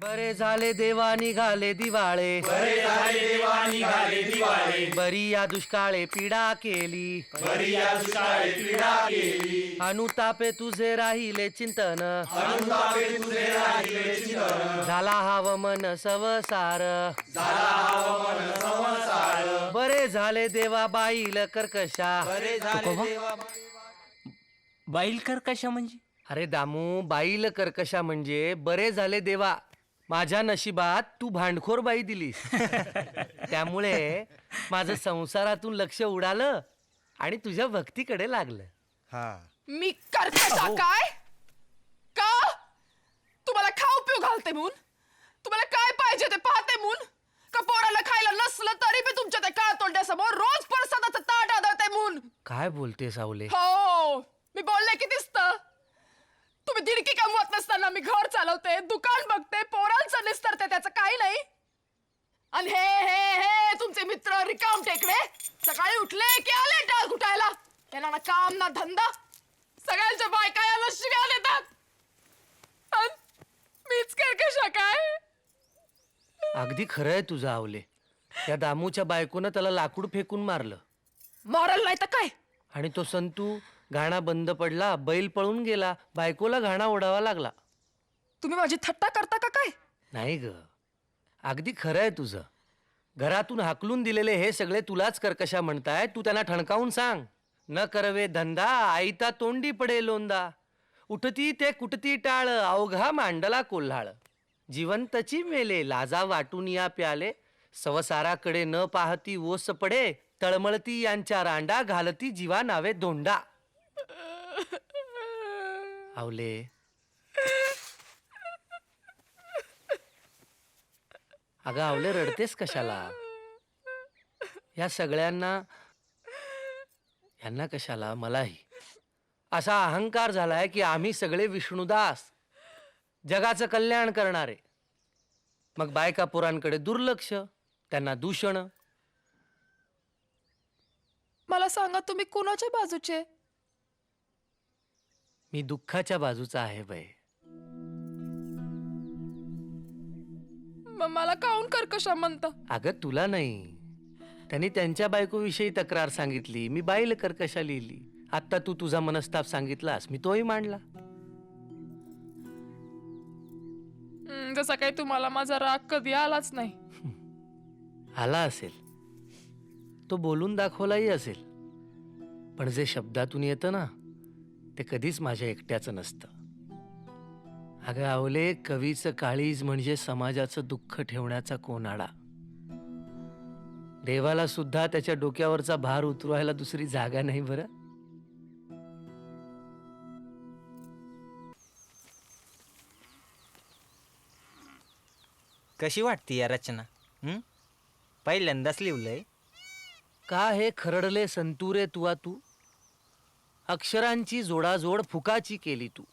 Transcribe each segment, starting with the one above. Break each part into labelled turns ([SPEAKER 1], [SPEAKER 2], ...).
[SPEAKER 1] बरे झाले देवा निघाले दिवाळे,
[SPEAKER 2] बरे झाले देवा निघाले दिवाळे,
[SPEAKER 1] बरी या दुष्काळे पीडा केली,
[SPEAKER 2] बरी या दुष्काळे पीडा केली,
[SPEAKER 1] अनुतापे तुझे राहिले चिंतन,
[SPEAKER 2] अनुतापे तुझे राहिले चिंतन,
[SPEAKER 1] झाला हव मन संसार,
[SPEAKER 2] झाला हवा मन संसार,
[SPEAKER 1] बरे झाले देवा बाईल कर्कशा.
[SPEAKER 2] बरे झाले देवा.
[SPEAKER 3] बाईल कर्कशा म्हणजे?
[SPEAKER 1] अरे दामू, बाईल कर्कशा म्हणजे बरे झाले देवा, माझ्या नशिबात तू भांडखोर बाई दिलीस. त्यामुळे माझं संसारातून लक्ष उडालं आणि तुझ्या भक्तीकडे लागलं.
[SPEAKER 4] मी कर्कशा काय? का? तुम्हाला खाऊ पिऊ घालते म्हणून? तुम्हाला काय पाहिजे ते पाहते म्हणून? का पोराला खायला नसलं तरी मी तुमच्या त्या काळ तोंड्यासमोर रोज प्रसादाचं ताट आदळते म्हणून?
[SPEAKER 1] काय बोलते सावले?
[SPEAKER 4] हो, मी बोलले की दिसतं. तुम्ही दिडकी कमवत नसताना मी घर चालवते, दुकान बघते, पोरांचं निस्तरते, त्याचं काही नाही. आणि हे हे हे तुमचे मित्र रिकाम टेकडे सकाळी उठले की आले टाळ कुटायला. त्यांना ना काम ना धंदा, सगळ्यांच्या बायका याला शिव्या देतात. अन मीच कर्कशा काय?
[SPEAKER 1] अगदी खरं आहे तुझं आवले. त्या दामूच्या बायकोनं त्याला लाकूड फेकून मारलं
[SPEAKER 4] मॉरल नाही तर काय?
[SPEAKER 1] आणि तो संतू घाणा बंद पडला, बैल पळून गेला, बायकोला घाणा ओढावा लागला.
[SPEAKER 4] तुम्ही माझी थट्टा करता का काय?
[SPEAKER 1] नाही ग, अगदी खरं आहे तुझं. घरातून हाकलून दिलेले हे सगळे तुलाच कर्कशा म्हणताय. तू त्यांना ठणकावून सांग, न करवे धंदा आईता तोंडी पडे लोंदा, उठती ते कुटती टाळ अवघा मांडला कोल्हाळ, जिवंतची मेले लाजा वाटून या प्याले, सवसाराकडे न पाहती ओस पडे, तळमळती यांच्या रांडा घालती जीवा नावे धोंडा. आवले, अगं आवले, रडतेस कशाला? या सगळ्यांना, यांना कशाला, मलाही असा अहंकार झालाय की आम्ही सगळे विष्णुदास, जगाचं कल्याण करणारे. मग बायका पोरांकडे दुर्लक्ष, त्यांना दूषण.
[SPEAKER 4] मला सांगा, तुम्ही कुणाच्या बाजूचे?
[SPEAKER 1] मी दुःखाच्या बाजूचा आहे बाई.
[SPEAKER 4] मला काऊन कर्कशा म्हणता?
[SPEAKER 1] अगं तुला नाही, त्यांनी त्यांच्या बायकोविषयी तक्रार सांगितली, मी बाईल कर्कशा लिहिली. आता तू तुझा मनस्ताप सांगितलास, मी तोही मांडला.
[SPEAKER 4] जसा काही तुम्हाला माझा राग कधी आलाच नाही.
[SPEAKER 1] आला असेल, तो बोलून दाखवलाही असेल, पण जे शब्दातून येतं ना, ते कधीच माझ्या एकट्याचं नसतं. अगं आवले, कवीचं काळीज म्हणजे समाजाचं दुःख ठेवण्याचा कोनाडा. देवाला सुद्धा त्याच्या डोक्यावरचा भार उतरवायला दुसरी जागा नाही बरं.
[SPEAKER 3] कशी वाटते या रचना? पहिल्यांदाच लिहिलंय.
[SPEAKER 1] का हे खरडले संतुरे तुआ तू, अक्षरांची जोडाजोड फुकाची केली तू.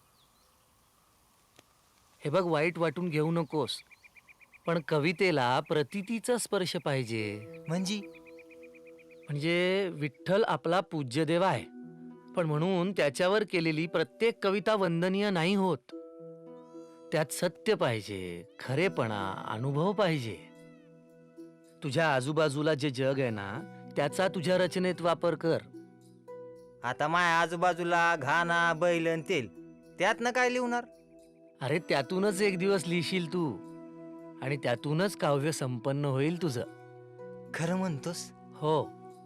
[SPEAKER 1] हे बघ, वाईट वाटून घेऊ नकोस, पण कवितेला प्रतीतीचा स्पर्श पाहिजे. म्हणजे विठ्ठल आपला पूज्य देव आहे, पण म्हणून त्याच्यावर केलेली प्रत्येक कविता वंदनीय नाही होत. त्यात सत्य पाहिजे, खरेपणा, अनुभव पाहिजे. तुझ्या आजूबाजूला जे जग आहे ना, त्याचा तुझ्या रचनेत वापर कर.
[SPEAKER 3] आता माझ्या आजूबाजूला घाणा बैल आणि तेल, त्यातनं काय लिहणार?
[SPEAKER 1] अरे त्यातूनच एक दिवस लिहिशील तू, आणि त्यातूनच काव्य संपन्न होईल तुझं.
[SPEAKER 3] खरं म्हणतोस?
[SPEAKER 1] हो,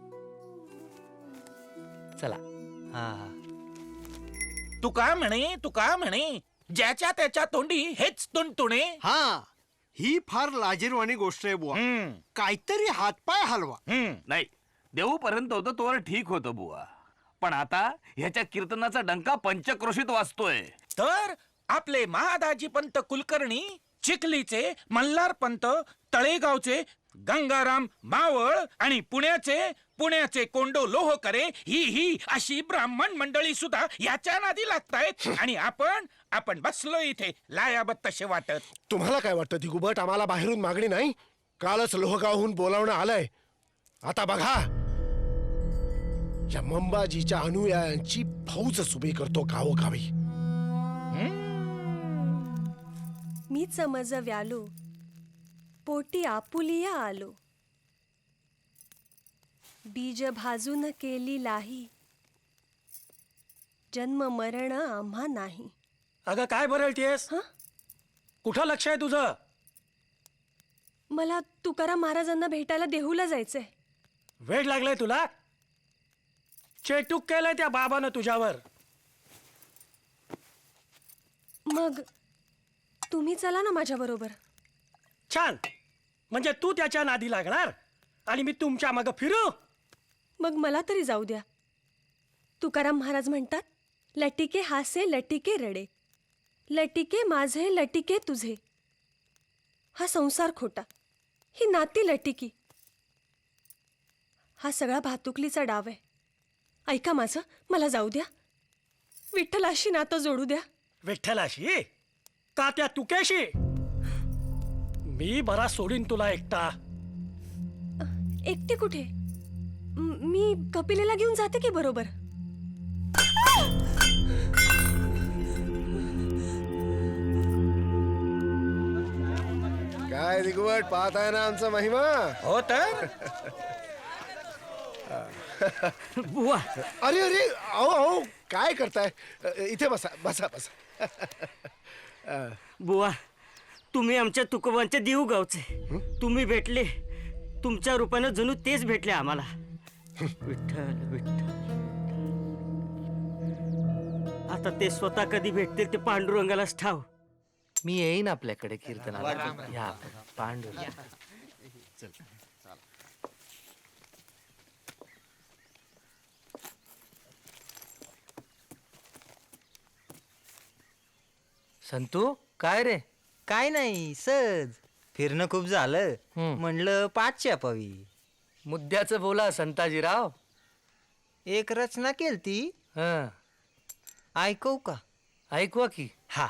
[SPEAKER 1] चला.
[SPEAKER 3] हा.
[SPEAKER 5] तू का म्हणे ज्याच्या त्याच्या तोंडी हेच तुणतुणे.
[SPEAKER 6] हा, ही फार लाजीरवाणी गोष्ट आहे बुवा. काहीतरी हातपाय हलवा.
[SPEAKER 2] नाही, देऊपर्यंत होतं तोवर ठीक होतं बुवा, पण आता ह्याच्या कीर्तनाचा डंका पंचक्रोशीत वाजतोय.
[SPEAKER 5] तर आपले महादाजी पंत कुलकर्णी, चिखलीचे मल्हार पंत, तळेगावचे गंगाराम मावळ आणि पुण्याचे कोंडो लोहकरे ही अशी ब्राह्मण मंडळी सुद्धा याच्या नादी लागतायत. आणि आपण बसलो इथे लायाबत तसे वाटत.
[SPEAKER 6] तुम्हाला काय वाटतं दिगुबट? आम्हाला बाहेरून मागणी नाही? कालच लोहगावहून बोलावणं आलंय. आता बघा, या मंबाजीच्या अनुयायांची फौजच उभी करतो गावोगावी.
[SPEAKER 7] मीच मज व्यालो पोटी आपुलिया आलो बीज भाजून केली लाही जन्म मरण आम्हा नाही.
[SPEAKER 8] अगं काय बरळतीयस?
[SPEAKER 7] हं?
[SPEAKER 8] कुठं लक्ष आहे तुझं?
[SPEAKER 7] मला तुकाराम महाराजांना भेटायला देहूला जायचंय.
[SPEAKER 8] वेळ लागलाय तुला? चेटूक केलंय त्या बाबानं तुझ्यावर.
[SPEAKER 7] मग तुम्ही चला ना माझ्या बरोबर.
[SPEAKER 8] छान. म्हणजे तू त्याच्या नादी लागणार आणि मी तुमच्या मागं फिरू?
[SPEAKER 7] मग मला तरी जाऊ द्या. तुकाराम महाराज म्हणतात, लटिके हासे लटिके रडे, लटिके माझे लटिके तुझे. हा संसार खोटा, ही नाती लटिकी. हा सगळा भातुकलीचा डाव आहे. ऐका माझं, मला जाऊ द्या. विठ्ठलाशी नातं जोडू द्या.
[SPEAKER 8] विठ्ठलाशी का त्या तुकेशी? मी बरा सोडीन तुला एकटा.
[SPEAKER 7] एकटे कुठे? मी कपिलेला घेऊन जाते की बरोबर.
[SPEAKER 6] काय दिगवट पाहताय ना आमचा महिमा.
[SPEAKER 5] हो तर
[SPEAKER 2] बुवा
[SPEAKER 6] अरे अरे अहो अहो काय करताय? इथे बसा बसा बसा.
[SPEAKER 9] बुवा तुम्ही आमच्या तुकोबांच्या देऊ गावचे. तुम्ही भेटले, तुमच्या रूपानं जणू तेच भेटले आम्हाला. विठ्ठल विठ्ठल. आता ते स्वतः कधी भेटतील ते पांडुरंगालाच ठाव.
[SPEAKER 1] मी येईन आपल्याकडे कीर्तनाला. या पांडू. संतू काय रे?
[SPEAKER 3] काय नाही, सहज फिरणं खूप झालं. म्हणलं पाठ छापावी.
[SPEAKER 1] मुद्द्याचं बोला संताजीराव.
[SPEAKER 3] एक रचना केलती,
[SPEAKER 1] हं,
[SPEAKER 3] ऐकवू का?
[SPEAKER 1] ऐकवा की.
[SPEAKER 3] हा.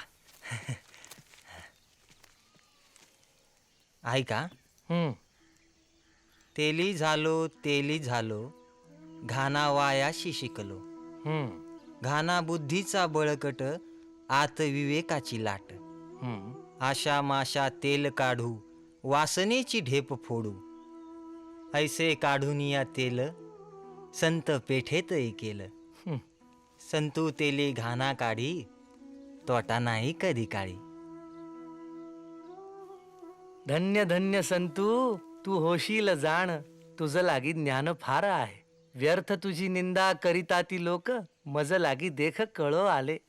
[SPEAKER 3] ऐका.
[SPEAKER 1] हं,
[SPEAKER 3] तेली झालो घाना वायाशी शिकलो,
[SPEAKER 1] हं,
[SPEAKER 3] घाना बुद्धीचा बळकट आत विवेकाची लाट,
[SPEAKER 1] हं.
[SPEAKER 3] आशा माशा तेल काढू वासनेची ढेप फोडू, ऐसे काढून या तेल संत पेठेत केलं. संतू तेली घाना काढी तोटा नाही कधी काळी.
[SPEAKER 1] धन्य धन्य संतू, तू होशील जाण. तुझं लागी ज्ञान फार आहे. व्यर्थ तुझी निंदा करिता ती लोक, मज लागी देख कळो आले.